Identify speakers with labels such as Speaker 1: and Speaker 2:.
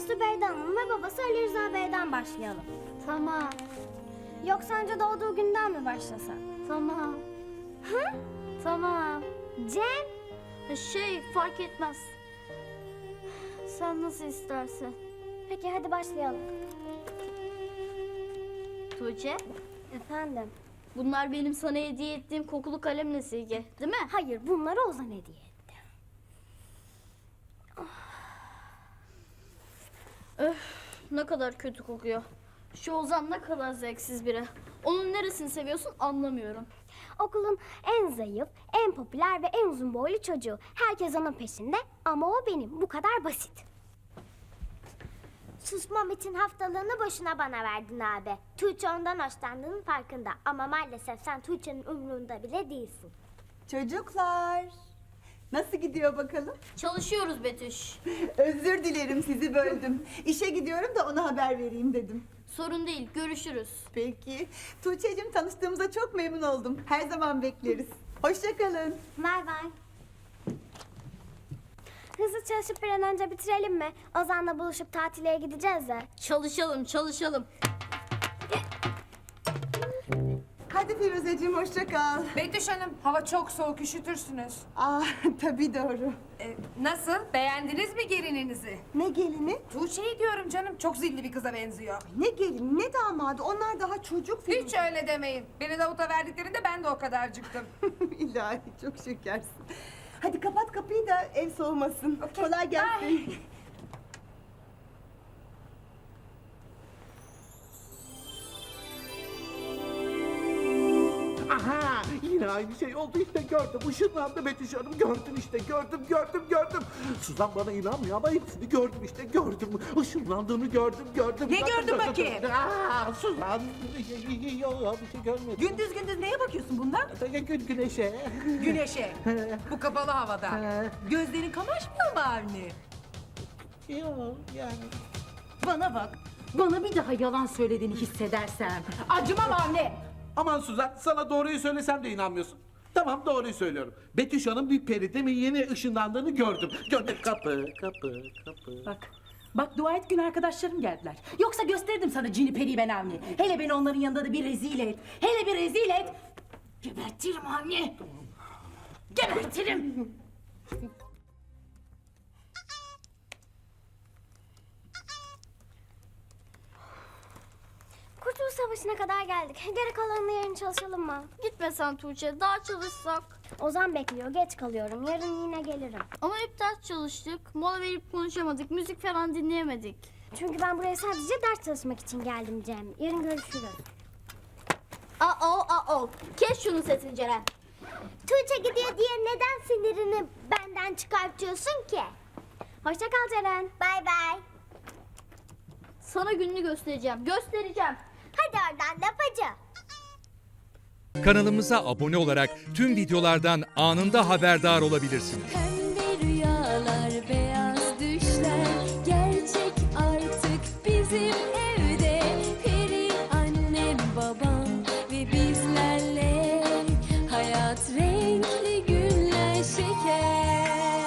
Speaker 1: Zübeyde Hanım ve babası Ali Rıza Bey'den başlayalım.
Speaker 2: Tamam.
Speaker 1: Yoksa önce doğduğu günden mi başlasak?
Speaker 2: Tamam.
Speaker 1: Hı?
Speaker 2: Tamam.
Speaker 1: Cem?
Speaker 2: Fark etmez. Sen nasıl istersen.
Speaker 1: Peki hadi başlayalım.
Speaker 2: Tuğçe,
Speaker 1: Efendim?
Speaker 2: bunlar benim sana hediye ettiğim kokulu kalemle silgi, değil mi?
Speaker 1: Hayır, bunları Ozan hediye etti.
Speaker 2: Ne kadar kötü kokuyor. Şu Ozan ne kadar zevksiz biri. Onun neresini seviyorsun anlamıyorum.
Speaker 1: Okulun en zayıf, en popüler ve en uzun boylu çocuğu. Herkes onun peşinde ama o benim. Bu kadar basit. Susmam için haftalığını boşuna bana verdin abi. Tuğçe ondan hoşlandığının farkında. Ama maalesef sen Tuğçe'nin umrunda bile değilsin.
Speaker 3: Çocuklar, nasıl gidiyor bakalım?
Speaker 2: Çalışıyoruz Betüş.
Speaker 3: Özür dilerim, sizi böldüm. İşe gidiyorum da ona haber vereyim dedim.
Speaker 2: Sorun değil, görüşürüz.
Speaker 3: Peki. Tuğçe'cim, tanıştığımıza çok memnun oldum. Her zaman bekleriz. Hoşça kalın.
Speaker 1: Bay bay. Hızlı çalışıp bir an önce bitirelim mi? Ozan'la buluşup tatile gideceğiz de.
Speaker 2: Çalışalım, çalışalım.
Speaker 3: Hadi Firuzeciğim, hoşça kal.
Speaker 4: Betüş Hanım, hava çok soğuk, üşütürsünüz.
Speaker 3: Tabii doğru.
Speaker 4: Nasıl? Beğendiniz mi gelininizi?
Speaker 3: Ne gelini?
Speaker 4: Tuğçe'yi diyorum canım, çok zilli bir kıza benziyor.
Speaker 3: Ne gelini, ne damadı? Onlar daha çocuk Firuze.
Speaker 4: Hiç öyle demeyin. Beni Davut'a verdiklerinde ben de o kadarcıktım.
Speaker 3: İlahi, çok şekersin. Hadi kapat kapıyı da ev soğumasın. Kolay gelsin.
Speaker 5: Aha! Yine aynı şey oldu işte gördüm. Işınlandı Betüş Hanım. Gördüm işte gördüm. Suzan bana inanmıyor ama hepsini gördüm işte gördüm. Işınlandığını gördüm.
Speaker 4: Ne gördün bakayım?
Speaker 5: Suzan. Yok bir şey görmedim.
Speaker 4: Gündüz gündüz neye bakıyorsun bundan?
Speaker 5: Güneşe.
Speaker 4: Güneşe. Bu kapalı havada. Gözlerin kamaşmıyor mu Avni?
Speaker 5: Yok yani.
Speaker 6: Bana bak. Bana bir daha yalan söylediğini hissedersem acımam Avni.
Speaker 5: Aman Suzan, sana doğruyu söylesem de inanmıyorsun. Tamam, doğruyu söylüyorum. Betüş Hanım bir peri değil mi? Yeni ışınlandığını gördüm. Gördüm. Kapı.
Speaker 6: Bak dua et gün arkadaşlarım geldiler. Yoksa gösterirdim sana cini periyi ben Avni. Hele beni onların yanında da bir rezil et. Hele bir rezil et. Gebertirim Avni. Gebertirim.
Speaker 1: Kurtuluş Savaşı'na kadar geldik. Geri kalanını yarın çalışalım mı?
Speaker 2: Gitme sen Tuğçe, daha çalışsak.
Speaker 1: Ozan bekliyor, geç kalıyorum. Yarın yine gelirim.
Speaker 2: Ama hep ders çalıştık, mola verip konuşamadık, müzik falan dinleyemedik.
Speaker 1: Çünkü ben buraya sadece ders çalışmak için geldim Cem. Yarın görüşürüz.
Speaker 2: Kes şunun sesini Ceren.
Speaker 1: Tuğçe gidiyor diye neden sinirini benden çıkartıyorsun ki? Hoşça kal Ceren. Bay bay.
Speaker 2: Sana gününü göstereceğim.
Speaker 1: Hadi oradan lapacı.
Speaker 7: Kanalımıza abone olarak tüm videolardan anında haberdar olabilirsiniz.